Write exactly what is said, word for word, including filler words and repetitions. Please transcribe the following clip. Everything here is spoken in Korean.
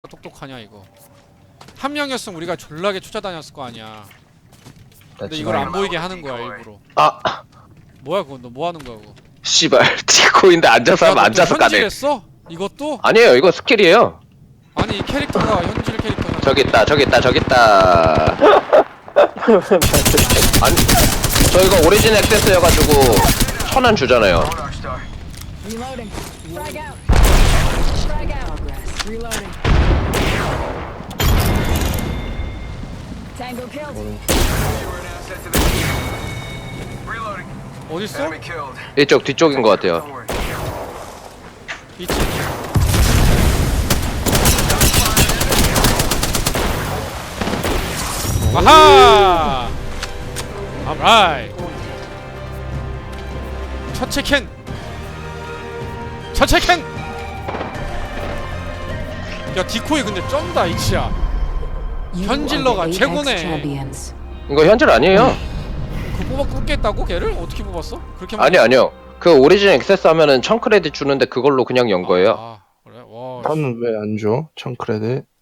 똑똑하냐 이거. 한 명이었으면 우리가 졸라게 쫓아다녔을 거 아니야. 근데 나 이걸 안 지금- 보이게 하는 거야 일부러. 아 뭐야 그거? 너 뭐 하는 거야 그거? 씨발 디코인데 앉아서 하면 앉아서 까네. 현질했어? 이것도? 아니에요 이거 스킬이에요. 아니 이 캐릭터가 현질 캐릭터잖아. 저기 있다 저기 있다 저기 있다. 아니 저 이거 오리진 액세스여가지고 천 원 주잖아요. Reloading. Frag out. Frag out. Reloading. Tango killed. 어딨어? 이쪽 뒤쪽인 것 같아요. 있지. 아하! alright. 첫째 캔. 첫째 캔. 야 디코이 근데 쩐다 이치야. 현질러가 최고네. 이거 현질 아니에요. 그 뽑아 뽑겠다고 걔를 어떻게 뽑았어? 그렇게 아니 아니요. 그 오리진 액세스 하면은 천 크레딧 주는데 그걸로 그냥 연 거예요. 아, 그래? 와. 나는 왜 안 줘? 천 크레딧.